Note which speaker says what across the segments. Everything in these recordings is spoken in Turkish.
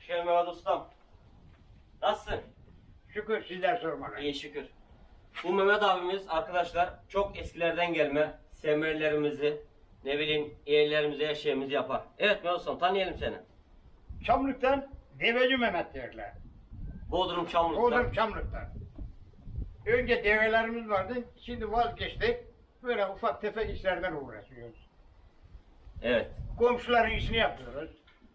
Speaker 1: geldin Mehmet Ustam. Nasılsın?
Speaker 2: Şükür sizler sormalı.
Speaker 1: İyi şükür. Bu Mehmet abimiz arkadaşlar çok eskilerden gelme semerlerimizi, ne bileyim yerlerimizi, her şeyimizi yapar. Evet Mehmet Ustam, tanıyalım seni.
Speaker 2: Çamlık'tan Deveci Mehmet derler.
Speaker 1: Bodrum Çamlık'ta.
Speaker 2: Bodrum Çamlık'tan. Önce develerimiz vardı, şimdi vazgeçtik. Böyle ufak tefek işlerden uğraşıyoruz.
Speaker 1: Evet.
Speaker 2: Komşuların işini yapıyoruz.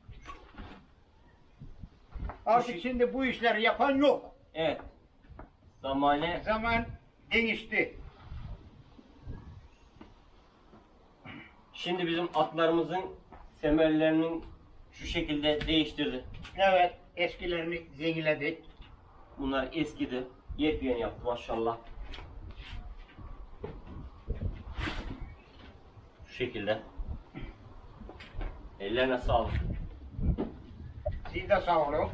Speaker 2: Artık şimdi bu işleri yapan yok.
Speaker 1: Evet. Zamane.
Speaker 2: Zaman değişti.
Speaker 1: Şimdi bizim atlarımızın semerlerinin şu şekilde değiştirdi.
Speaker 2: Evet, eskilerini yeniledik.
Speaker 1: Bunlar eskidi. Yepyeni yaptı maşallah. Şu şekilde. Ellerine sağlık.
Speaker 2: Siz de sağ olun.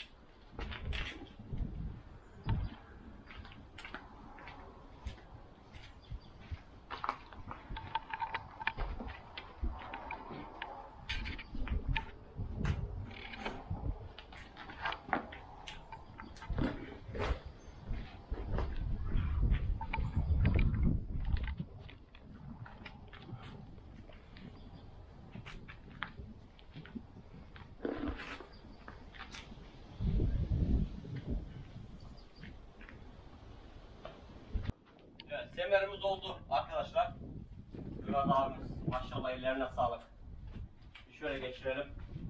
Speaker 1: Evet, semerimiz oldu arkadaşlar. Murat abimiz maşallah ellerine sağlık. Şöyle geçirelim.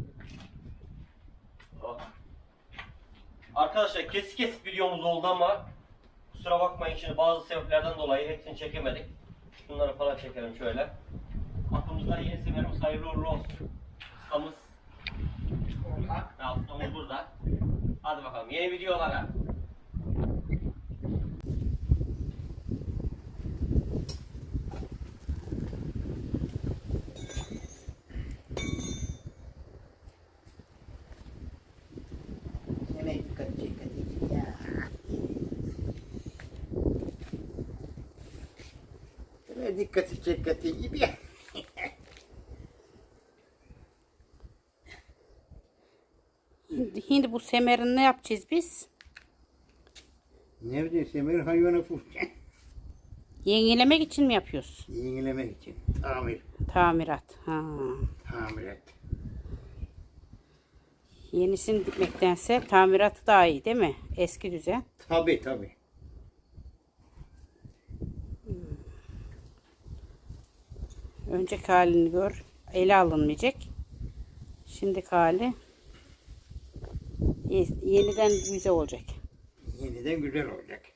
Speaker 1: Oh. Arkadaşlar kesik kesik videomuz oldu ama kusura bakmayın, şimdi bazı sebeplerden dolayı hepsini çekemedik. Bunları falan çekelim şöyle. Aklımızda yeni semerimiz hayırlı uğurlu olsun. Ustamız. Ustamız burada. Hadi bakalım yeni videolara.
Speaker 2: Dikkati çekati gibi.
Speaker 3: Şimdi bu semerini ne yapacağız biz?
Speaker 2: Ne bileyim semer hayvana fırça.
Speaker 3: Yenilemek için mi yapıyoruz?
Speaker 2: Yenilemek için. Tamir.
Speaker 3: Tamirat. Ha.
Speaker 2: Tamirat.
Speaker 3: Yenisini dikmektense tamiratı daha iyi değil mi? Eski düzen.
Speaker 2: Tabi tabi.
Speaker 3: Önceki halini gör. Ele alınmayacak. Şimdiki hali yeniden güzel olacak.
Speaker 2: Yeniden güzel olacak.